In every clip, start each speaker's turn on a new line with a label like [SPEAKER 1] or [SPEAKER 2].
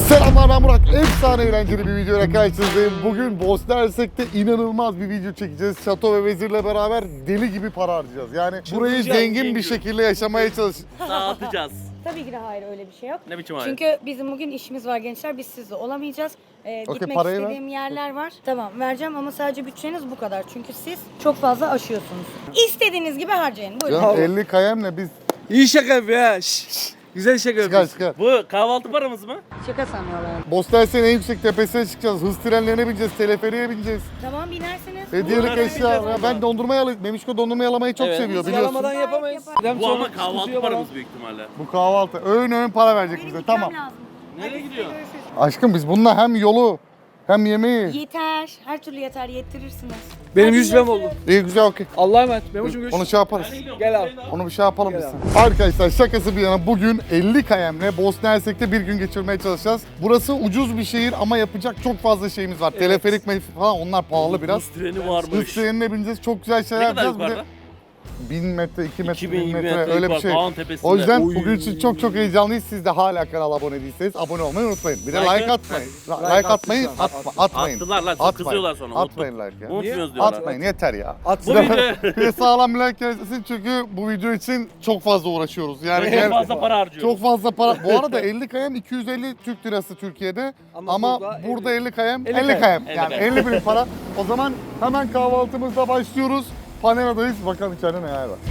[SPEAKER 1] Selamlar, ben Burak. Efsane eğlenceli bir videoyla karşınızdayım. Bugün Bosna Hersek'te inanılmaz bir video çekeceğiz. Şato ve vezirle beraber deli gibi para harcayacağız. Yani burayı zengin bir şekilde yaşamaya çalışacağız.
[SPEAKER 2] Dağıtacağız.
[SPEAKER 3] Tabii ki de hayır, öyle bir şey yok.
[SPEAKER 2] Ne biçim hayır?
[SPEAKER 3] Çünkü bizim bugün işimiz var gençler, biz sizle olamayacağız. Gitmek
[SPEAKER 1] parayı
[SPEAKER 3] istediğim yerler var. Tamam, vereceğim ama sadece bütçeniz bu kadar. Çünkü siz çok fazla aşıyorsunuz. İstediğiniz gibi harcayın. Buyurun.
[SPEAKER 1] Canım 50 kayemle biz
[SPEAKER 4] İyi şaka yapıyor ha. Güzel şaka
[SPEAKER 1] çıkar
[SPEAKER 4] yapıyorsun.
[SPEAKER 1] çıkar.
[SPEAKER 2] Bu kahvaltı paramız mı?
[SPEAKER 3] Şaka sanıyorlar.
[SPEAKER 1] Bosna Hersek'in en yüksek tepesine çıkacağız. Hız trenlerine bineceğiz, teleferiğe bineceğiz.
[SPEAKER 3] Tamam, binersiniz.
[SPEAKER 1] Hediyelik
[SPEAKER 2] Bunları
[SPEAKER 1] eşya.
[SPEAKER 2] yapacağız
[SPEAKER 1] Ya
[SPEAKER 2] ama.
[SPEAKER 1] ben dondurma Memişko dondurma yalamayı çok
[SPEAKER 2] Evet.
[SPEAKER 1] seviyor
[SPEAKER 4] Biz
[SPEAKER 1] biliyorsun.
[SPEAKER 4] yalamadan yapamayız.
[SPEAKER 3] Yapar.
[SPEAKER 2] Bu ama kahvaltı paramız büyük ihtimalle.
[SPEAKER 1] Bu kahvaltı. Öğün para verecek
[SPEAKER 3] Benim
[SPEAKER 1] bize.
[SPEAKER 3] gitmem
[SPEAKER 1] Tamam.
[SPEAKER 3] lazım.
[SPEAKER 2] Nereye gidiyor?
[SPEAKER 1] Aşkım biz bununla hem yolu hem yemeği.
[SPEAKER 3] Yeter. Her türlü yeter. Yettirirsiniz.
[SPEAKER 4] Benim
[SPEAKER 3] Hadi
[SPEAKER 4] 100 liram
[SPEAKER 3] görüşürüz.
[SPEAKER 4] oldu.
[SPEAKER 1] İyi güzel okey.
[SPEAKER 4] Allah'a emanet. Memo'cum görüşürüz.
[SPEAKER 1] Onu şey yaparız.
[SPEAKER 4] Gel abi.
[SPEAKER 1] Onu bir şey yapalım
[SPEAKER 4] Gel
[SPEAKER 1] biz. Arkadaşlar şakası bir yana bugün 50 kayemle Bosna Hersek'te bir gün geçirmeye çalışacağız. Burası ucuz bir şehir ama yapacak çok fazla şeyimiz var. Teleferik falan onlar pahalı biraz.
[SPEAKER 2] Hız treni
[SPEAKER 1] Hız
[SPEAKER 2] varmış.
[SPEAKER 1] trenine bineceğiz. Çok güzel şeyler
[SPEAKER 2] Ne kadar
[SPEAKER 1] yapacağız. Bir de
[SPEAKER 2] yukarıda?
[SPEAKER 1] 1000 metre, 2 metre,
[SPEAKER 2] 2000
[SPEAKER 1] 1000 metre
[SPEAKER 2] metre
[SPEAKER 1] öyle bir
[SPEAKER 2] yukarı,
[SPEAKER 1] şey.
[SPEAKER 2] dağın tepesinde.
[SPEAKER 1] O yüzden
[SPEAKER 4] Oy.
[SPEAKER 1] bugün için çok heyecanlıyız. Siz de hala kanala abone değilseniz abone olmayı unutmayın. Bir de
[SPEAKER 2] Like
[SPEAKER 1] like atmayın.
[SPEAKER 4] Like
[SPEAKER 1] Like atmayın,
[SPEAKER 4] atmışlar.
[SPEAKER 1] atmayın.
[SPEAKER 2] Attılar lan, çok kızıyorlar sonra.
[SPEAKER 1] Atmayın like ya.
[SPEAKER 2] Unutmuyoruz diyorlar.
[SPEAKER 1] Atmayın yeter ya.
[SPEAKER 4] At.
[SPEAKER 2] Bu video
[SPEAKER 1] Bir de sağlam bir like gelsin çünkü bu video için çok fazla uğraşıyoruz. Yani
[SPEAKER 2] çok fazla para harcıyoruz.
[SPEAKER 1] çok fazla para. Bu arada 50 kayem 250 Türk lirası Türkiye'de ama
[SPEAKER 4] Ama
[SPEAKER 1] burada 50 kayem
[SPEAKER 4] 50
[SPEAKER 1] 50 kayem.
[SPEAKER 2] 50
[SPEAKER 1] Yani
[SPEAKER 2] kayem.
[SPEAKER 1] 50 bin para. O zaman hemen kahvaltımızla başlıyoruz. Panera'dayız. Bakalım içeride neler var.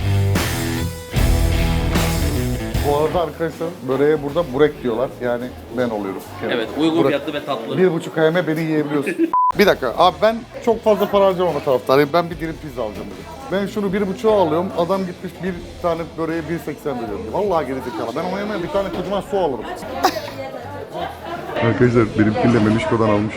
[SPEAKER 1] Bu arada arkadaşlar böreğe burada burek diyorlar. Yani ben oluyorum.
[SPEAKER 2] Evet, uygun
[SPEAKER 1] Burek.
[SPEAKER 2] fiyatlı ve tatlı.
[SPEAKER 1] 1,5 kayeme beni yiyebiliyorsun. Bir dakika abi ben çok fazla para harcamama taraftarıyım. Ben bir dilim pizza alacağım bugün. Ben şunu 1,5'a alıyorum. Adam gitmiş bir tane böreğe 1,80 veriyor. Vallahi gerizekalı. Ben ona yemeğe bir tane kocaman su alırım. Arkadaşlar benimkini de Memişko'dan almış.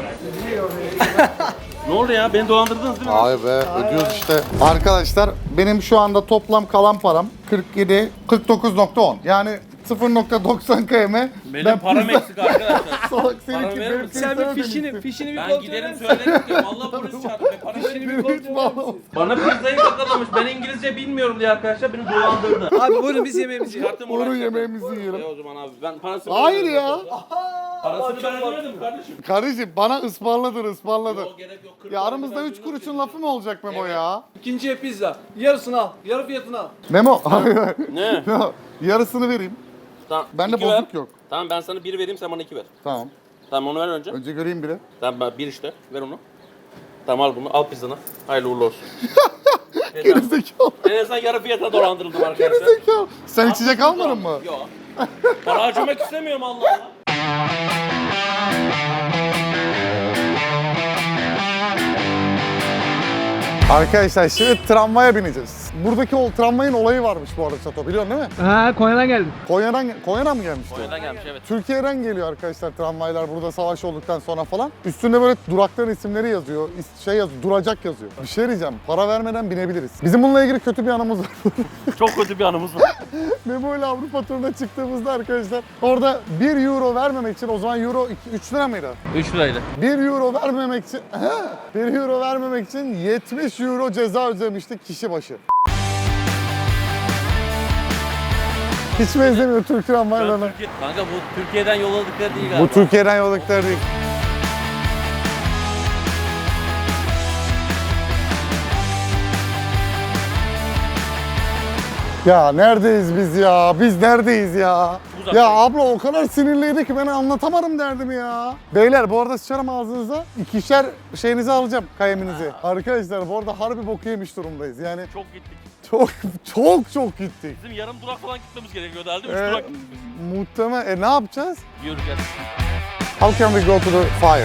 [SPEAKER 2] Ne oldu ya? Beni dolandırdınız değil mi?
[SPEAKER 1] Ay be ödüyoruz işte. Arkadaşlar benim şu anda toplam kalan param 49.10. Yani 0.90 km.
[SPEAKER 2] Benim param eksik arkadaşlar.
[SPEAKER 1] Salak
[SPEAKER 2] Paramı
[SPEAKER 1] seninki
[SPEAKER 2] verir
[SPEAKER 1] benimkini
[SPEAKER 2] misin?
[SPEAKER 4] Sen
[SPEAKER 1] sana
[SPEAKER 4] bir fişini
[SPEAKER 1] demiştim.
[SPEAKER 4] bir
[SPEAKER 2] Ben
[SPEAKER 4] kontrol
[SPEAKER 2] giderim
[SPEAKER 4] eder misin?
[SPEAKER 2] söylerim ki vallahi polis çağırdı. Para
[SPEAKER 4] Fişini bir
[SPEAKER 1] Hiç
[SPEAKER 4] kontrol eder
[SPEAKER 1] bağlamam.
[SPEAKER 4] misin?
[SPEAKER 2] Bana pizzayı kakalamış. Ben İngilizce bilmiyorum diye arkadaşlar beni dolandırdı.
[SPEAKER 4] Abi buyurun biz yemeğimizi yiyelim.
[SPEAKER 2] Çıkarttım
[SPEAKER 1] Onu
[SPEAKER 2] uğraştım.
[SPEAKER 1] yemeğimizi yiyelim.
[SPEAKER 2] O zaman abi ben parasını
[SPEAKER 1] Hayır
[SPEAKER 2] vermedim.
[SPEAKER 1] ya.
[SPEAKER 2] Parasını ben ödemedim kardeşim.
[SPEAKER 1] Kardeşim bana ısmarladır.
[SPEAKER 2] Yok gerek yok. 40
[SPEAKER 1] Ya
[SPEAKER 2] lira
[SPEAKER 1] aramızda
[SPEAKER 2] ben
[SPEAKER 1] 3
[SPEAKER 2] ödedim.
[SPEAKER 1] kuruşun lafı mı olacak Memo ya?
[SPEAKER 4] İkinciye pizza. Yarısını al. Yarı fiyatını al.
[SPEAKER 1] Memo, hayır.
[SPEAKER 2] Ne?
[SPEAKER 1] Memo, yarısını vereyim.
[SPEAKER 2] Tamam.
[SPEAKER 1] Bende
[SPEAKER 2] iki ver.
[SPEAKER 1] bozuk yok.
[SPEAKER 2] Tamam ben sana 1 vereyim sen bana 2 ver.
[SPEAKER 1] Tamam.
[SPEAKER 2] Tamam onu ver önce.
[SPEAKER 1] Önce göreyim biri.
[SPEAKER 2] Tamam ben 1 işte. Ver onu. Tamam al bunu. Al pizzanı. Hayırlı uğurlu olsun.
[SPEAKER 1] Gerizekalı.
[SPEAKER 2] En azından yarı fiyata dolandırıldım arkadaşlar.
[SPEAKER 1] Gerizekalı. Sen içecek almadın mı?
[SPEAKER 2] Yok. Para harcamak istemiyorum Allah Allah.
[SPEAKER 1] Arkadaşlar şimdi tramvaya bineceğiz. Buradaki o tramvayın olayı varmış bu arada Çato biliyorsun değil mi?
[SPEAKER 4] Ha Konya'dan geldim.
[SPEAKER 1] Konya'dan mı gelmişti?
[SPEAKER 2] Konya'dan gelmiş evet.
[SPEAKER 1] Türkiye'den geliyor arkadaşlar tramvaylar burada savaş olduktan sonra falan. Üstünde böyle durakların isimleri yazıyor, şey yazıyor, duracak yazıyor. Bir şey diyeceğim, para vermeden binebiliriz. Bizim bununla ilgili kötü bir anımız var.
[SPEAKER 2] Çok kötü bir anımız var.
[SPEAKER 1] Memo ile Avrupa turuna çıktığımızda arkadaşlar orada 1 euro vermemek için o zaman euro 3 lira mıydı?
[SPEAKER 2] 3 liraydı.
[SPEAKER 1] 1 euro vermemek için 1 euro vermemek için 70 euro ceza ödemiştik kişi başı. Hiç benzemiyor Türk tramvaylarına.
[SPEAKER 2] Kanka bu Türkiye'den yolladıkları değil
[SPEAKER 1] Bu
[SPEAKER 2] galiba.
[SPEAKER 1] Türkiye'den yolladıkları değil. Ya neredeyiz biz ya? Biz neredeyiz ya?
[SPEAKER 2] Uzak
[SPEAKER 1] Ya
[SPEAKER 2] değil.
[SPEAKER 1] abla o kadar sinirliydi ki ben anlatamadım derdimi ya. Beyler bu arada sıçarım ağzınıza. İkişer şeyinizi alacağım, kayeminizi. Arkadaşlar bu arada harbi boku yemiş durumdayız. Yani
[SPEAKER 2] Çok gittik.
[SPEAKER 1] çok gittik.
[SPEAKER 2] Bizim yarım durak falan gitmemiz gerekiyordu herhalde. 3
[SPEAKER 1] Ee,
[SPEAKER 2] durak gittik biz.
[SPEAKER 1] Muhtemelen. Ne yapacağız?
[SPEAKER 2] Yürüyeceğiz.
[SPEAKER 1] How can we go to the fire?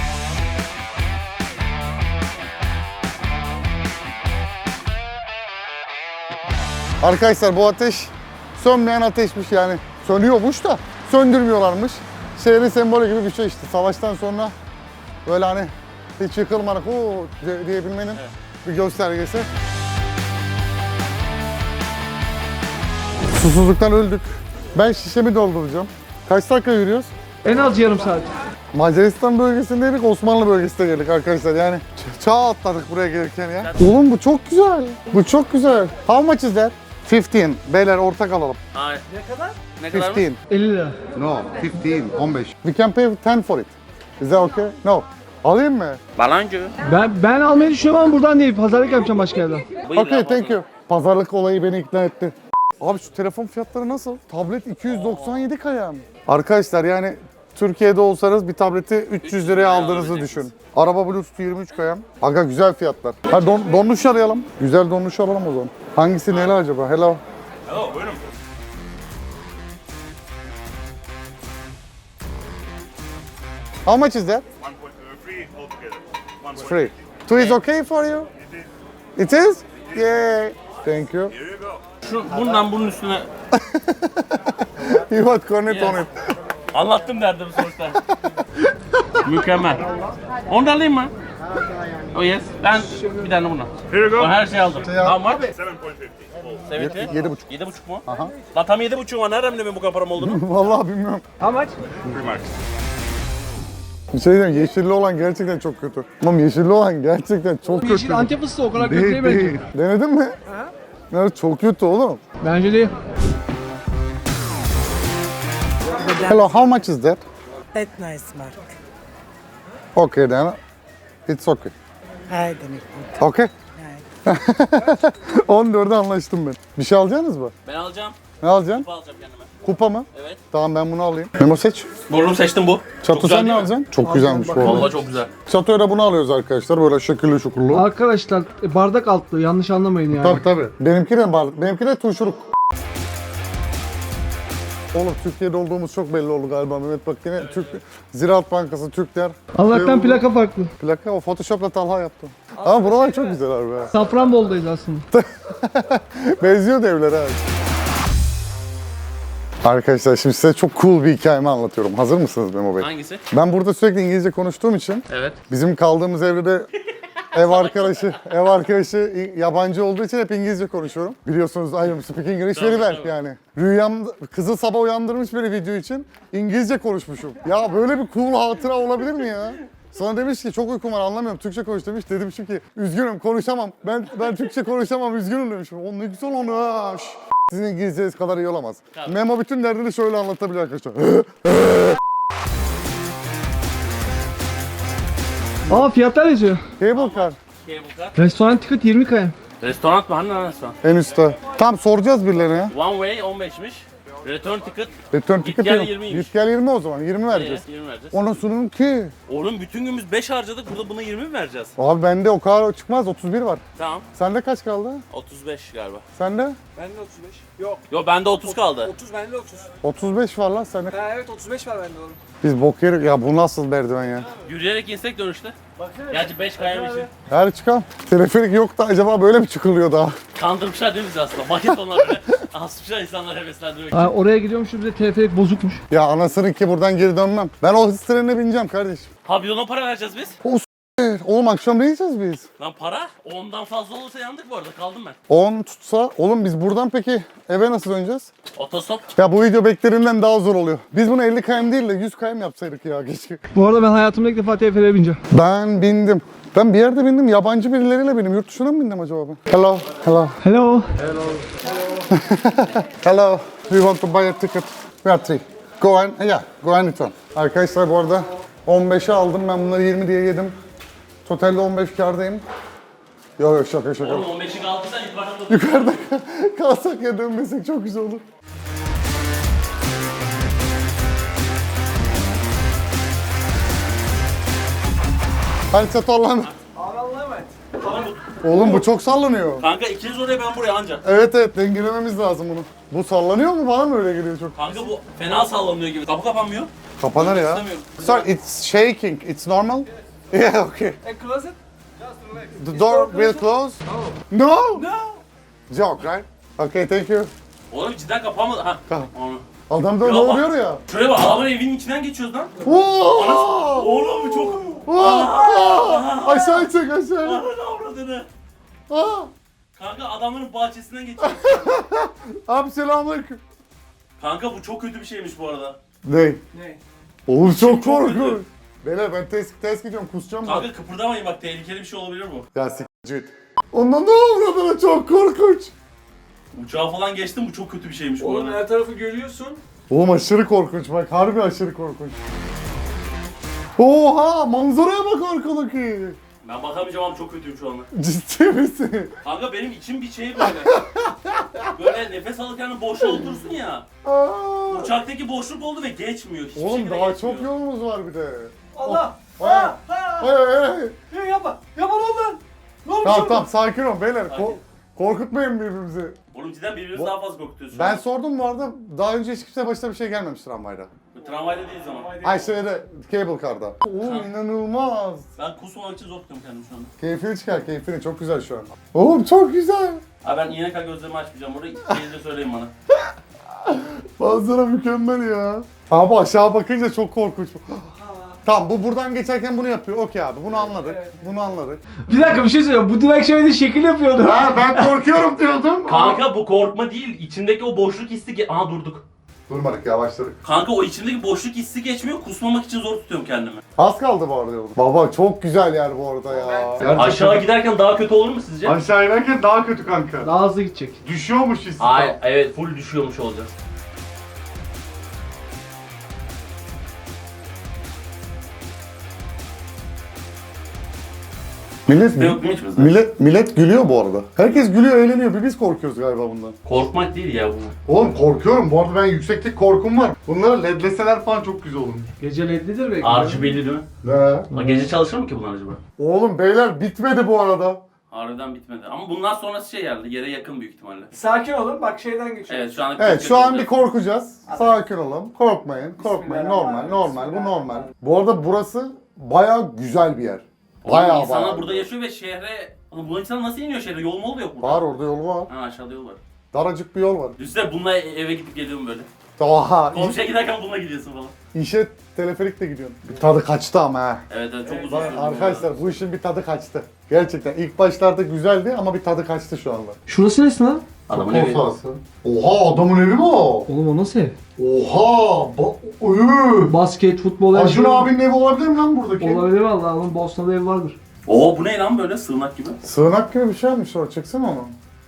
[SPEAKER 1] Arkadaşlar bu ateş sönmeyen ateşmiş yani. Sönüyormuş da söndürmüyorlarmış. Şehrin sembolü gibi bir şey işte. Savaştan sonra böyle hani hiç yıkılmadık diyebilmenin bir göstergesi. Susuzluktan öldük. Ben şişemi dolduracağım. Kaç dakika yürüyoruz?
[SPEAKER 4] En az yarım saat.
[SPEAKER 1] Macaristan bölgesindeydik, Osmanlı bölgesine geldik arkadaşlar yani. Çağ atladık buraya gelirken ya. Oğlum bu çok güzel. Bu çok güzel. How much is that? 15. Beyler ortak alalım.
[SPEAKER 2] Hayır.
[SPEAKER 4] Ne kadar?
[SPEAKER 2] Ne kadar mı?
[SPEAKER 1] 15.
[SPEAKER 4] 50 lira.
[SPEAKER 1] No, 15. We can pay 10 for it. Is that okay? No. Alayım mı?
[SPEAKER 2] Balancı.
[SPEAKER 4] Ben almayı düşünüyorum ama buradan değil. Pazarlık yapacağım başka yerden.
[SPEAKER 1] Okay, thank you. Pazarlık olayı beni ikna etti. Abi şu telefon fiyatları nasıl? Tablet 297 kaya mı? Arkadaşlar yani Türkiye'de olsanız bir tableti 300 liraya aldığınızı düşün. Araba Bluetooth 23 kaya. Aga güzel fiyatlar. Ha donduruş arayalım. Güzel donduruş alalım o zaman. Hangisi neli acaba? Hello.
[SPEAKER 2] Hello, buyurun.
[SPEAKER 1] How much is that?
[SPEAKER 5] Free altogether. One point.
[SPEAKER 1] Free. Two is okay for you? It is? Yay. Thank you.
[SPEAKER 5] Here you go.
[SPEAKER 2] Şu bundan bunun üstüne
[SPEAKER 1] You want connect on it.
[SPEAKER 2] anlattım derdim sonuçta. Mükemmel. Onu da alayım mı? Oh yes. Ben bir tane bundan.
[SPEAKER 5] Here you go.
[SPEAKER 2] Ben her şeyi aldım. How much?
[SPEAKER 5] 7.50.
[SPEAKER 2] 70.
[SPEAKER 1] 7,5.
[SPEAKER 2] 7,5 mu?
[SPEAKER 1] Aha.
[SPEAKER 2] Lan tam 7,5 var. Nereden bileyim bu kadar param olduğunu?
[SPEAKER 1] Vallahi bilmiyorum.
[SPEAKER 4] How much?
[SPEAKER 5] 3 marks.
[SPEAKER 1] Bir şey diyeyim, yeşilli olan gerçekten çok kötü. Tamam yeşilli olan gerçekten çok kötü.
[SPEAKER 4] Yeşil Antep fıstığı o kadar kötü
[SPEAKER 1] Değil,
[SPEAKER 4] değil bence.
[SPEAKER 1] değil. Denedin mi? Evet çok kötü oğlum.
[SPEAKER 4] Bence değil.
[SPEAKER 1] Hello, how much is that?
[SPEAKER 6] That nice mark.
[SPEAKER 1] Okay then. It's okay.
[SPEAKER 6] Haydi.
[SPEAKER 1] Okay. 14'e anlaştım ben. Bir şey alacaksınız mı?
[SPEAKER 2] Ben alacağım.
[SPEAKER 1] Ne alacaksın?
[SPEAKER 2] Bu alacağım kendime.
[SPEAKER 1] Kupa mı?
[SPEAKER 2] Evet.
[SPEAKER 1] Tamam ben bunu alayım. Memo seç.
[SPEAKER 2] Bunu seçtim bu.
[SPEAKER 1] Çatı
[SPEAKER 2] güzel
[SPEAKER 1] sen ne
[SPEAKER 2] değil mi?
[SPEAKER 1] alacaksın? Çok güzelmiş bu arada.
[SPEAKER 2] Vallahi çok güzel.
[SPEAKER 1] Çatoya da bunu alıyoruz arkadaşlar. Böyle şekilli şukurlu.
[SPEAKER 4] Arkadaşlar bardak altlı yanlış anlamayın yani.
[SPEAKER 1] Tabii tabii. Benimki de turşuluk. Oğlum Türkiye'de olduğumuz çok belli oldu galiba Mehmet bak yine Ziraat Bankası, Türkler.
[SPEAKER 4] Allah'tan plaka farklı.
[SPEAKER 1] Plaka o Photoshop'la Talha yaptı. Ama buralar çok güzel abi. ha.
[SPEAKER 4] Safranbolu'dayız aslında.
[SPEAKER 1] Benziyor da evler abi. Arkadaşlar şimdi size çok cool bir hikayemi anlatıyorum. Hazır mısınız Memo Bey?
[SPEAKER 2] Hangisi?
[SPEAKER 1] Ben burada sürekli İngilizce konuştuğum için
[SPEAKER 2] Evet.
[SPEAKER 1] bizim kaldığımız evde de ev arkadaşı yabancı olduğu için hep İngilizce konuşuyorum. Biliyorsunuz I am speaking English very well
[SPEAKER 2] tabii.
[SPEAKER 1] yani. Rüyamda kızı sabah uyandırmış beni video için İngilizce konuşmuşum. Ya böyle bir cool hatıra olabilir mi ya? Sonra demiş ki çok uykum var anlamıyorum Türkçe konuş demiş. Dedim ki üzgünüm konuşamam. Ben Türkçe konuşamam üzgünüm demişim. O ne güzel onu ha. Sizin İngilizceniz kadar iyi olamaz.
[SPEAKER 2] Tabii.
[SPEAKER 1] Memo bütün derdini şöyle anlatabilir arkadaşlar.
[SPEAKER 4] Aa fiyatlar yazıyor.
[SPEAKER 1] Cable car
[SPEAKER 2] Cable car.
[SPEAKER 4] Restoran ticket 20 kaya.
[SPEAKER 2] Restoran mı? Hani lan restoran?
[SPEAKER 1] en üstte. Tam soracağız birilerine ya.
[SPEAKER 2] One way 15'miş. Return ticket.
[SPEAKER 1] Return ticket
[SPEAKER 2] gel
[SPEAKER 1] yok.
[SPEAKER 2] 20'ymiş.
[SPEAKER 1] Git gel 20 o zaman. 20 vereceğiz.
[SPEAKER 2] 20 vereceğiz.
[SPEAKER 1] Ona sunun ki.
[SPEAKER 2] Oğlum bütün günümüz 5 harcadık. Burada buna 20 mi vereceğiz?
[SPEAKER 1] Abi bende o kadar çıkmaz. 31 var.
[SPEAKER 2] Tamam.
[SPEAKER 1] Sende kaç kaldı?
[SPEAKER 2] 35 galiba.
[SPEAKER 1] Sende?
[SPEAKER 7] Bende 35. Yok.
[SPEAKER 2] Yo bende 30 kaldı.
[SPEAKER 7] 30 bende 30.
[SPEAKER 1] 35 var lan sende.
[SPEAKER 7] Ha evet 35 var bende oğlum.
[SPEAKER 1] Biz bok yerik. Ya bu nasıl merdiven ya?
[SPEAKER 2] Yürüyerek insek dönüşte. Gerçi 5 kayam için.
[SPEAKER 1] Her çıkan. Teleferik yok da acaba böyle mi çıkılıyor daha?
[SPEAKER 2] Kandırmışlar değil mi bizi aslında? Maket onlar bile. Asmışlar insanları heveslendiriyor.
[SPEAKER 4] Aa, oraya gidiyormuş bir de teleferik bozukmuş.
[SPEAKER 1] Ya anasının ki buradan geri dönmem. Ben o hız trenine bineceğim kardeşim.
[SPEAKER 2] Ha bir de ona para vereceğiz biz.
[SPEAKER 1] Oğlum akşam ne yiyeceğiz biz?
[SPEAKER 2] Lan para 10'dan fazla olursa yandık bu arada. Kaldım ben.
[SPEAKER 1] 10 tutsa. Oğlum biz buradan peki eve nasıl döneceğiz?
[SPEAKER 2] Otostop.
[SPEAKER 1] Ya bu video beklediğimden daha zor oluyor. Biz bunu 50 km değil de 100 km yapsaydık ya keşke.
[SPEAKER 4] Bu arada ben hayatımda ilk defa teleferiğe bineceğim.
[SPEAKER 1] Ben bindim. Ben bir yerde bindim. Yabancı birileriyle bindim. Yurt dışına mı bindim acaba ben? Hello.
[SPEAKER 4] Hello.
[SPEAKER 1] Hello. We want to buy a ticket. We are three. Go and, go and return. Arkadaşlar bu arada 15'e aldım. Ben bunları 20 diye yedim. Totalde 15 kârdayım. Yok şaka.
[SPEAKER 2] Oğlum 15'i kaldıysan yukarıdan da
[SPEAKER 1] Yukarıda kalsak ya dönmesek çok güzel olur. Hadi çatı Allah'ım.
[SPEAKER 7] Abi Allah'a emanet.
[SPEAKER 1] Oğlum bu çok sallanıyor.
[SPEAKER 2] Kanka ikiniz oraya ben buraya anca.
[SPEAKER 1] Evet dengelememiz lazım bunu. Bu sallanıyor mu? Bana mı öyle geliyor çok?
[SPEAKER 2] Kanka bu fena sallanıyor gibi. Kapı kapanmıyor.
[SPEAKER 1] Kapanır ya.
[SPEAKER 2] İstemiyorum.
[SPEAKER 1] Sorry, it's shaking. It's normal? Yeah, okay.
[SPEAKER 7] And close it.
[SPEAKER 1] The door will close? No. Joke, right? Okay, thank you.
[SPEAKER 2] Oğlum cidden kapanmadı. Ha.
[SPEAKER 1] Tamam.
[SPEAKER 2] Onu.
[SPEAKER 1] Adam da
[SPEAKER 2] Ya
[SPEAKER 1] ne
[SPEAKER 2] bak.
[SPEAKER 1] oluyor ya?
[SPEAKER 2] Şuraya bak adamın evinin içinden geçiyoruz lan.
[SPEAKER 1] Whoa!
[SPEAKER 2] Oğlum bu çok...
[SPEAKER 1] Aşağı çek aşağı.
[SPEAKER 2] Ananı avradını.
[SPEAKER 1] Aa!
[SPEAKER 2] Kanka adamların bahçesinden geçiyoruz.
[SPEAKER 1] Abi selamünaleyküm.
[SPEAKER 2] Kanka bu çok kötü bir şeymiş bu arada.
[SPEAKER 1] Ne?
[SPEAKER 7] Ne?
[SPEAKER 1] Oğlum çok
[SPEAKER 2] kötü.
[SPEAKER 1] korkunç. Beyler ben test gidiyorum kusacağım bak.
[SPEAKER 2] Kanka kıpırdamayın bak tehlikeli bir şey olabilir bu.
[SPEAKER 1] Ya s***cit. Ondan ne oluyor bana çok korkunç.
[SPEAKER 2] Uçağa falan geçtim, bu çok kötü bir şeymiş bu
[SPEAKER 7] Oğlum
[SPEAKER 2] arada.
[SPEAKER 7] her tarafı görüyorsun.
[SPEAKER 1] Oğlum aşırı korkunç bak. Harbi aşırı korkunç. Oha! Manzaraya bak arkadaki.
[SPEAKER 2] Ben bakamayacağım ama çok kötüyüm şu anda.
[SPEAKER 1] Ciddi misin?
[SPEAKER 2] Kanka benim içim bir şey böyle. Böyle nefes alırken boşluğa otursun ya.
[SPEAKER 1] Aa!
[SPEAKER 2] Uçaktaki boşluk oldu ve geçmiyor. Hiçbir
[SPEAKER 1] Oğlum
[SPEAKER 2] şekilde
[SPEAKER 1] daha
[SPEAKER 2] geçmiyor.
[SPEAKER 1] çok yolumuz var bir de.
[SPEAKER 7] Allah!
[SPEAKER 1] Hayır. Hayır.
[SPEAKER 7] Ya yapma! Yapma lan! Ne olmuş
[SPEAKER 1] Tamam
[SPEAKER 7] orada?
[SPEAKER 1] tamam sakin ol beyler.
[SPEAKER 2] Sakin.
[SPEAKER 1] Korkutmayın birbirimizi.
[SPEAKER 2] Oğlum cidden birbirimizi daha fazla korkutuyoruz.
[SPEAKER 1] Ben sordum bu arada. Daha önce hiç kimse başına bir şey gelmemiş tramvayda.
[SPEAKER 2] Tramvayda değiliz ama.
[SPEAKER 1] Ay şeyde cable car'da. Oğlum inanılmaz.
[SPEAKER 2] Ben kusmamak için zor tutuyorum kendimi şu anda.
[SPEAKER 1] Keyfini çıkar keyfini çok güzel şu an. Oğlum çok güzel.
[SPEAKER 2] Abi ben iğne kadar gözlerimi açmayacağım. Orada gelince söyleyin bana.
[SPEAKER 1] Manzara mükemmel ya. Abi aşağı bakınca çok korkunç. Tamam bu buradan geçerken bunu yapıyor. Okey abi bunu anladık. Bunu anladık.
[SPEAKER 4] Bir dakika bir şey söyleyeyim. Bu direkt şöyle şekil yapıyordu.
[SPEAKER 1] Ha ben korkuyorum diyordum.
[SPEAKER 2] Kanka bu korkma değil. İçimdeki o boşluk hissi... Aha durduk.
[SPEAKER 1] Durmadık yavaşladık.
[SPEAKER 2] Kanka o içimdeki boşluk hissi geçmiyor. Kusmamak için zor tutuyorum kendimi.
[SPEAKER 1] Az kaldı bu arada yolda. Baba çok güzel yer bu arada ya.
[SPEAKER 2] Aşağı giderken daha kötü olur mu sizce?
[SPEAKER 1] Aşağı inerken daha kötü kanka.
[SPEAKER 4] Daha hızlı gidecek.
[SPEAKER 1] Düşüyormuş hissi.
[SPEAKER 2] Hayır, evet full düşüyormuş olacağız.
[SPEAKER 1] Millet,
[SPEAKER 2] Yok mu hiç bizde?
[SPEAKER 1] millet gülüyor bu arada. Herkes gülüyor, eğleniyor. Biz korkuyoruz galiba bundan.
[SPEAKER 2] Korkmak değil ya bu.
[SPEAKER 1] Oğlum korkuyorum. Bu arada ben yükseklik korkum var. Bunları ledleseler falan çok güzel olurmuş.
[SPEAKER 4] Gece ledlidir belki.
[SPEAKER 2] RGB'li değil mi?
[SPEAKER 1] Ne?
[SPEAKER 2] Ha, gece çalışır mı ki bunlar acaba?
[SPEAKER 1] Oğlum beyler bitmedi bu arada.
[SPEAKER 2] Harbiden bitmedi. Ama bundan sonrası şey geldi. Yere yakın büyük ihtimalle.
[SPEAKER 7] Sakin olun bak şeyden geçiyor.
[SPEAKER 2] Evet şu an
[SPEAKER 1] Evet şu an bir korkacağız. Sakin olun. Korkmayın. Korkmayın. Normal.
[SPEAKER 7] Bismillahirrahmanirrahim.
[SPEAKER 1] Bu normal. Bu arada burası bayağı güzel bir yer. Bayağı
[SPEAKER 2] insanlar
[SPEAKER 1] bayağı.
[SPEAKER 2] burada yaşıyor ve şehre... Oğlum bu insanlar nasıl iniyor şehre? Yol mu oluyor burada?
[SPEAKER 1] Var orada yolu var.
[SPEAKER 2] Ha aşağıda yol var.
[SPEAKER 1] Daracık bir yol var.
[SPEAKER 2] Düşünsene bununla eve gidip geliyorum böyle.
[SPEAKER 1] Oha.
[SPEAKER 2] Komşuya giderken bununla gidiyorsun falan.
[SPEAKER 1] İşe teleferikle gidiyorsun. Bir tadı kaçtı ama ha.
[SPEAKER 2] Evet evet çok uzun sürdü.
[SPEAKER 1] Arkadaşlar bu işin bir tadı kaçtı. Gerçekten ilk başlarda güzeldi ama bir tadı kaçtı şu anda.
[SPEAKER 4] Şurası neresi lan?
[SPEAKER 2] Adamın evi.
[SPEAKER 1] Oha adamın evi mi o?
[SPEAKER 4] Oğlum o nasıl ev?
[SPEAKER 1] Oha!
[SPEAKER 4] Basket, futbol, her
[SPEAKER 1] Acun
[SPEAKER 4] şey.
[SPEAKER 1] abinin evi olabilir mi lan buradaki?
[SPEAKER 4] Olabilir valla. Onun Bosna'da ev vardır.
[SPEAKER 2] Oo bu ne lan böyle sığınak gibi?
[SPEAKER 1] Sığınak gibi bir şey yapmış o. Çeksene onu.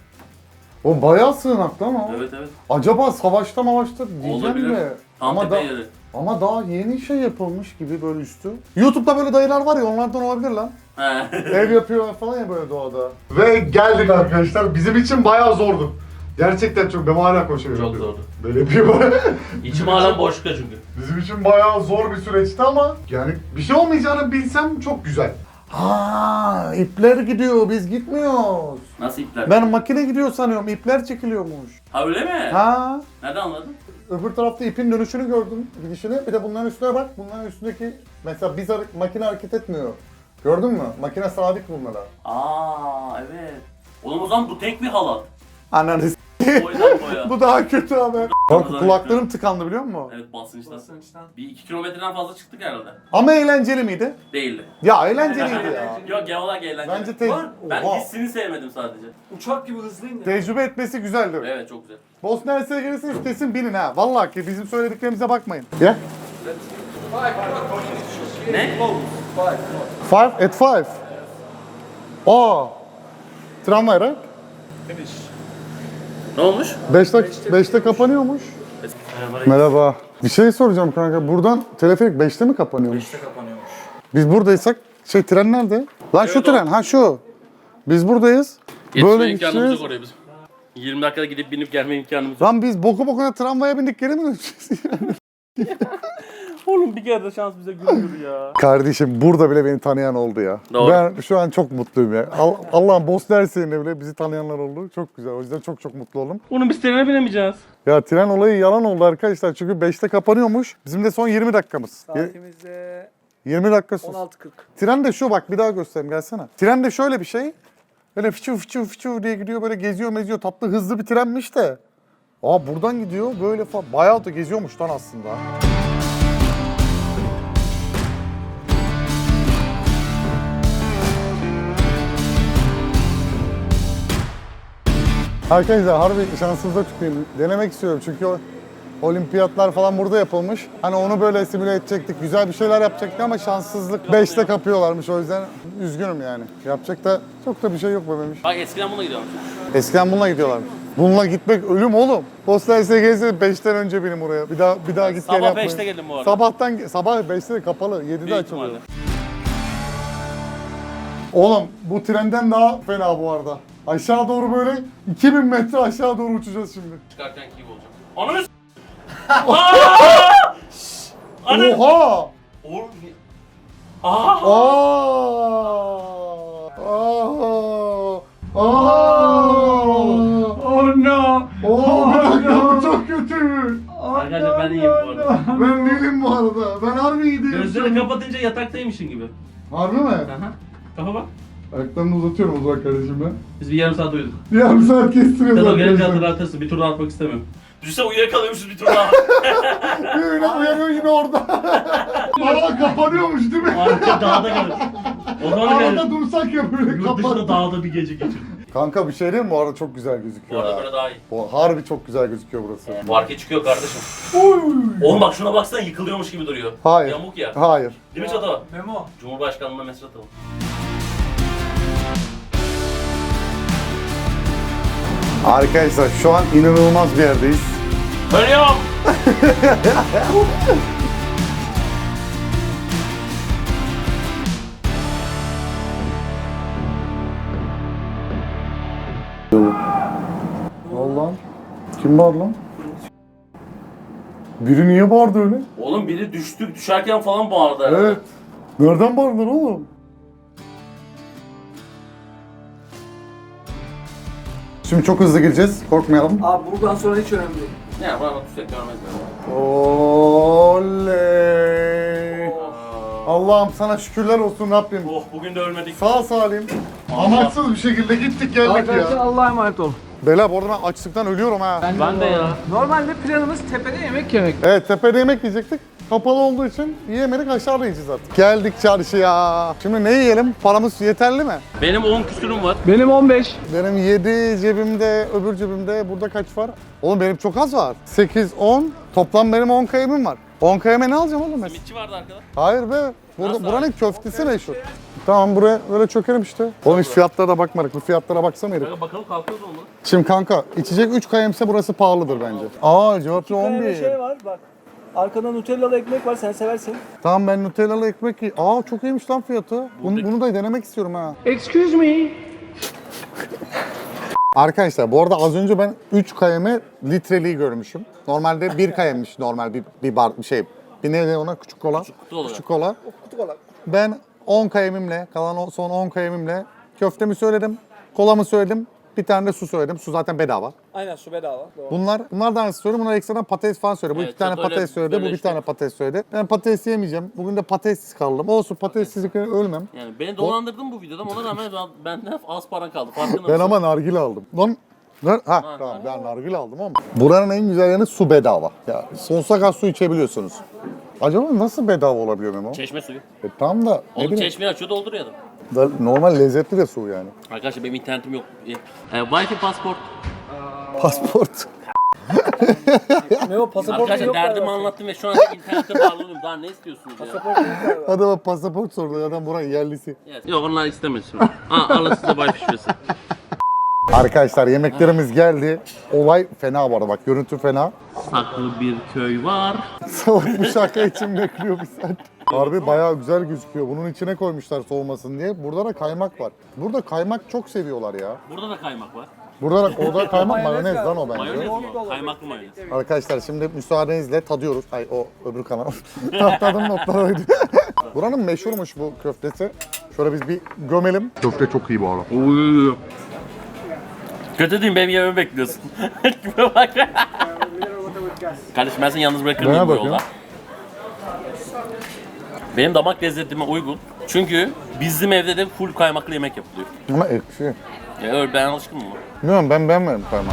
[SPEAKER 1] O bayağı sığınaktı ama.
[SPEAKER 2] Evet evet.
[SPEAKER 1] Acaba savaşta diyeceğim
[SPEAKER 2] Olabilir.
[SPEAKER 1] de.
[SPEAKER 2] Tam
[SPEAKER 1] Ama,
[SPEAKER 2] tepe
[SPEAKER 1] da,
[SPEAKER 2] yeri.
[SPEAKER 1] ama daha yeni şey yapılmış gibi böyle üstü. YouTube'da böyle dayılar var ya onlardan olabilir lan.
[SPEAKER 2] He.
[SPEAKER 1] Ev yapıyorlar falan ya böyle doğada. Ve geldik arkadaşlar. Bizim için bayağı zordu. Gerçekten çok. Ben hala koşuyorum.
[SPEAKER 2] Çok zordu.
[SPEAKER 1] Böyle yapıyor böyle.
[SPEAKER 2] İçim hala boşlukta çünkü.
[SPEAKER 1] Bizim için bayağı zor bir süreçti ama yani bir şey olmayacağını bilsem çok güzel. Ha, ipler gidiyor, biz gitmiyoruz.
[SPEAKER 2] Nasıl ipler?
[SPEAKER 1] Ben makine gidiyor sanıyorum, ipler çekiliyormuş.
[SPEAKER 2] Ha öyle mi?
[SPEAKER 1] Ha,
[SPEAKER 2] Nereden anladın?
[SPEAKER 1] öbür tarafta ipin dönüşünü gördüm, gidişini. Bir de bunların üstüne bak, bunların üstündeki mesela makine hareket etmiyor. Gördün mü? Makine sabit bunlara.
[SPEAKER 2] Aa evet. Oğlum o zaman bu tek bir halat.
[SPEAKER 1] Ananı s***.
[SPEAKER 2] Boydan boya.
[SPEAKER 1] Bu daha kötü abi. Bak kulaklarım tıkandı biliyor musun?
[SPEAKER 2] Evet basınçtan.
[SPEAKER 7] Basınçtan.
[SPEAKER 2] Bir 2 kilometreden fazla çıktık herhalde.
[SPEAKER 1] Ama eğlenceli miydi?
[SPEAKER 2] Değildi.
[SPEAKER 1] Ya eğlenceliydi ya.
[SPEAKER 2] Yok genel olarak eğlenceli.
[SPEAKER 1] Bence
[SPEAKER 2] Ben
[SPEAKER 1] Oha.
[SPEAKER 2] hissini sevmedim sadece.
[SPEAKER 7] Uçak gibi hızlıyım ya.
[SPEAKER 1] Tecrübe etmesi güzeldi.
[SPEAKER 2] Evet çok güzel.
[SPEAKER 1] Bosna Hersek'e gelirseniz kesin binin ha. Vallahi ki bizim söylediklerimize bakmayın. Ya.
[SPEAKER 2] Ne?
[SPEAKER 1] Five at five. Aa. Tramvay right?
[SPEAKER 2] Ne olmuş?
[SPEAKER 1] 5'te kapanıyormuş. Merhaba. Bir şey soracağım kanka. Buradan teleferik 5'te mi kapanıyormuş?
[SPEAKER 7] 5'te kapanıyormuş.
[SPEAKER 1] Biz buradaysak tren nerede? Lan şu
[SPEAKER 2] Evet,
[SPEAKER 1] tren ha şu. Biz buradayız.
[SPEAKER 2] Yetişme
[SPEAKER 1] Böyle
[SPEAKER 2] imkanımız yok
[SPEAKER 1] gideceğiz.
[SPEAKER 2] oraya bizim. 20 dakikada gidip binip gelme imkanımız yok.
[SPEAKER 1] Lan biz boku bokuna tramvaya bindik geri mi döneceğiz?
[SPEAKER 2] Oğlum bir kere de şans bize gülüyor ya.
[SPEAKER 1] Kardeşim burada bile beni tanıyan oldu ya.
[SPEAKER 2] Doğru.
[SPEAKER 1] Ben şu an çok mutluyum ya. Allah'ın Bosna Hersek'inde bile bizi tanıyanlar oldu. Çok güzel. O yüzden çok mutluyum oldum.
[SPEAKER 2] Oğlum biz trene binemeyeceğiz.
[SPEAKER 1] Ya tren olayı yalan oldu arkadaşlar. Çünkü 5'te kapanıyormuş. Bizim de son 20 dakikamız.
[SPEAKER 7] Saatimizde
[SPEAKER 1] 20 dakika sus.
[SPEAKER 7] 16.40.
[SPEAKER 1] Tren de şu bak bir daha göstereyim gelsene. Tren de şöyle bir şey. Böyle fıçı diye gidiyor böyle geziyor meziyor. Tatlı hızlı bir trenmiş de. Aa buradan gidiyor böyle falan. Bayağı da geziyormuş lan aslında. Arkadaşlar harbi şansınıza tüküreyim. Denemek istiyorum çünkü o olimpiyatlar falan burada yapılmış. Hani onu böyle simüle edecektik, güzel bir şeyler yapacaktık ama şanssızlık 5'te kapıyorlarmış o yüzden üzgünüm yani. Yapacak da çok da bir şey yok be bemiş.
[SPEAKER 2] Bak eskiden bununla gidiyormuş.
[SPEAKER 1] Eskiden bununla gidiyorlarmış. Bununla gitmek ölüm oğlum. Postal SGS 5'ten önce benim oraya. Bir daha git gel
[SPEAKER 2] Sabah
[SPEAKER 1] yapmayın.
[SPEAKER 2] 5'te geldim bu arada.
[SPEAKER 1] Sabah 5'te de kapalı. 7'de
[SPEAKER 2] Büyük
[SPEAKER 1] açılıyor.
[SPEAKER 2] ihtimalle.
[SPEAKER 1] Oğlum bu trenden daha fena bu arada. Aşağı doğru böyle 2000 metre aşağı doğru uçacağız şimdi.
[SPEAKER 2] Çıkarken gibi olacak. Ananı s***! Ananı
[SPEAKER 1] Oha!
[SPEAKER 2] Oğlum.
[SPEAKER 1] Aa! Aa!
[SPEAKER 4] Oh no.
[SPEAKER 1] Oo, bir dakika bu çok kötü.
[SPEAKER 2] Arkadaşlar ben iyiyim bu arada.
[SPEAKER 1] Ben değilim bu arada. Ben harbi iyi değilim.
[SPEAKER 2] Gözlerini kapatınca yataktaymışsın gibi.
[SPEAKER 1] Harbi mi?
[SPEAKER 2] Aha. Kafa bak.
[SPEAKER 1] Ayaklarını uzatıyorum o zaman kardeşim ben.
[SPEAKER 2] Biz bir yarım saat uyuduk.
[SPEAKER 1] Yarım saat kestiriyoruz
[SPEAKER 2] Tabii gelince
[SPEAKER 1] arkadaşlar.
[SPEAKER 2] hatırlatırsın. Bir tur daha atmak istemiyorum. Düşünsene uyuyakalıyormuşuz bir tur daha.
[SPEAKER 1] Yine uyanıyor yine orada. Aa kapanıyormuş değil mi?
[SPEAKER 2] Arka dağda kalır. O zaman
[SPEAKER 1] Arada
[SPEAKER 2] kalır.
[SPEAKER 1] dursak ya böyle
[SPEAKER 2] Yurt dışında
[SPEAKER 1] kapat.
[SPEAKER 2] dağda bir gece geçir.
[SPEAKER 1] Kanka bir şey diyeyim mi? Bu arada çok güzel
[SPEAKER 2] Bu
[SPEAKER 1] gözüküyor
[SPEAKER 2] arada
[SPEAKER 1] ya.
[SPEAKER 2] böyle daha iyi.
[SPEAKER 1] Bu harbi çok güzel gözüküyor burası.
[SPEAKER 2] Bu arka çıkıyor kardeşim. Oğlum bak şuna baksana yıkılıyormuş gibi duruyor.
[SPEAKER 1] Hayır.
[SPEAKER 2] Yamuk ya.
[SPEAKER 1] Hayır.
[SPEAKER 2] Değil mi Çato?
[SPEAKER 7] Memo.
[SPEAKER 2] Cumhurbaşkanlığına mesaj atalım.
[SPEAKER 1] Arkadaşlar şu an inanılmaz bir yerdeyiz.
[SPEAKER 2] Ölüyorum.
[SPEAKER 1] Allah'ım. Kim bağırdı lan? Biri niye bağırdı öyle?
[SPEAKER 2] Oğlum biri düşerken falan bağırdı herhalde.
[SPEAKER 1] Evet. Nereden bağırdılar oğlum? Şimdi çok hızlı gireceğiz. Korkmayalım.
[SPEAKER 7] Abi buradan sonra hiç önemli değil.
[SPEAKER 2] Ne bana tutsak görmez beni.
[SPEAKER 1] Oley. Allah'ım sana şükürler olsun Rabbim.
[SPEAKER 2] Oh bugün de ölmedik.
[SPEAKER 1] Sağ salim. Amaçsız bir şekilde gittik geldik
[SPEAKER 7] Arkadaşlar
[SPEAKER 1] ya.
[SPEAKER 7] Allah'a emanet olun.
[SPEAKER 1] Bela bu arada ben açlıktan ölüyorum ha.
[SPEAKER 2] Ben de ya.
[SPEAKER 7] Normalde planımız tepede yemek yemek.
[SPEAKER 1] Evet tepede yemek yiyecektik. Kapalı olduğu için yiyemedik aşağıda yiyeceğiz artık. Geldik çarşıya. Şimdi ne yiyelim? Paramız yeterli mi?
[SPEAKER 2] Benim 10 küsürüm var.
[SPEAKER 4] Benim 15.
[SPEAKER 1] Benim 7 cebimde, öbür cebimde. Burada kaç var? Oğlum benim çok az var. 8, 10. Toplam benim 10 kayımım var. 10 kayıma ne alacağım oğlum mesela?
[SPEAKER 2] Simitçi vardı arkada.
[SPEAKER 1] Hayır be.
[SPEAKER 2] Nasıl
[SPEAKER 1] Buranın köftesi meşhur. Tamam buraya böyle çökelim işte. Oğlum hiç fiyatlara da bakmadık. Bu fiyatlara baksana herif.
[SPEAKER 2] Kanka bakalım kalkıyoruz mu?
[SPEAKER 1] Şimdi kanka içecek 3 kayımsa burası pahalıdır bence. Aa cevaplı
[SPEAKER 7] Bir
[SPEAKER 1] 11.
[SPEAKER 7] şey var bak. Arkada Nutellalı ekmek var sen seversin.
[SPEAKER 1] Tamam ben Nutellalı ekmek Aa çok iyiymiş lan fiyatı. Bunu da denemek istiyorum ha.
[SPEAKER 4] Excuse me.
[SPEAKER 1] Arkadaşlar bu arada az önce ben 3 kayeme litreliği görmüşüm. Normalde 1 kayemmiş normal bir bar bir şey. Bir neydi ona küçük kola.
[SPEAKER 2] kutu olarak.
[SPEAKER 1] Küçük kola. Ben 10 kayemimle kalan son 10 kayemimle köftemi söyledim. Kolamı söyledim. Bir tane de su söyledim. Su zaten bedava.
[SPEAKER 7] Aynen su bedava. Doğru.
[SPEAKER 1] Bunlardan söyledi. Bunlar ekstradan patates falan söyledi. Bu
[SPEAKER 2] Evet,
[SPEAKER 1] 2 tane
[SPEAKER 2] Çato'yla
[SPEAKER 1] patates söyledi. Bu bir
[SPEAKER 2] bölüştük.
[SPEAKER 1] tane patates söyledi. Ben patates yemeyeceğim. Bugün de patatessiz kaldım. Olsun patatessizlikle ölmem.
[SPEAKER 2] Yani beni dolandırdın bu videoda ona rağmen benden az paran kaldı. Farkında
[SPEAKER 1] Ben
[SPEAKER 2] mısın?
[SPEAKER 1] ama nargile aldım. Lan tamam ben nargile aldım ama. Buranın en güzel yanı su bedava. Ya sonsuza kadar su içebiliyorsunuz. Acaba nasıl bedava olabiliyor Memo?
[SPEAKER 2] Çeşme suyu.
[SPEAKER 1] Tam da ne
[SPEAKER 2] Oğlum
[SPEAKER 1] bileyim.
[SPEAKER 2] çeşmeyi açıyor dolduruyor adam.
[SPEAKER 1] Normal lezzetli de su yani.
[SPEAKER 2] Arkadaşlar benim internetim yok. Wi-Fi pasport.
[SPEAKER 1] Pasport.
[SPEAKER 7] Memo pasaportun
[SPEAKER 2] Arkadaşlar
[SPEAKER 7] yok
[SPEAKER 2] derdimi
[SPEAKER 7] galiba.
[SPEAKER 2] anlattım ve şu an internete bağlanıyorum. Daha ne istiyorsunuz ya?
[SPEAKER 7] Pasaportun yok galiba.
[SPEAKER 1] Adama pasaport sordu. Adam buranın yerlisi.
[SPEAKER 2] Yes. Yok onlar istemez şu an. Alın size Wi-Fi şifresi.
[SPEAKER 1] Arkadaşlar yemeklerimiz geldi. Olay fena bu arada bak görüntü fena.
[SPEAKER 2] Saklı bir köy var.
[SPEAKER 1] Salak bu şaka için bekliyor bir saat. Harbi bayağı güzel gözüküyor. Bunun içine koymuşlar soğumasın diye. Burada da kaymak var. Burada kaymak çok seviyorlar ya.
[SPEAKER 2] Burada da kaymak var.
[SPEAKER 1] Orada kaymak mayonez lan o bence.
[SPEAKER 2] Mayonez mi o? Kaymaklı mayonez.
[SPEAKER 1] Arkadaşlar şimdi müsaadenizle tadıyoruz. Ay o öbür kanal. Tadım notları oydu. Buranın meşhurmuş bu köftesi. Şöyle biz bir gömelim. Köfte çok iyi bu arada.
[SPEAKER 2] Kötü değil benim yememi bekliyorsun. Kime bak. Kardeşim ben seni yalnız bırakır mıyım bu
[SPEAKER 1] bakıyorum.
[SPEAKER 2] yolda? Benim damak lezzetime uygun. Çünkü bizim evde de full kaymaklı yemek yapılıyor.
[SPEAKER 1] Ama ekşi.
[SPEAKER 2] Ya öyle ben alışkınım buna.
[SPEAKER 1] Bilmiyorum ben beğenmedim kaymağı.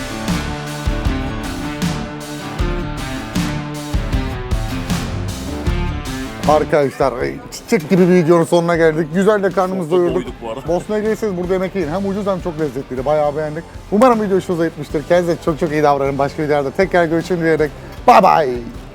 [SPEAKER 1] Arkadaşlar çiçek gibi bir videonun sonuna geldik. Güzel de karnımızı
[SPEAKER 2] Çok
[SPEAKER 1] doyurduk.
[SPEAKER 2] doyduk bu arada.
[SPEAKER 1] Bosna'ya gelirseniz burada yemek yiyin. Hem ucuz hem çok lezzetliydi. Bayağı beğendik. Umarım video hoşunuza gitmiştir. Kendinize çok çok iyi davranın. Başka videolarda tekrar görüşürüz diyerek. Bye bye.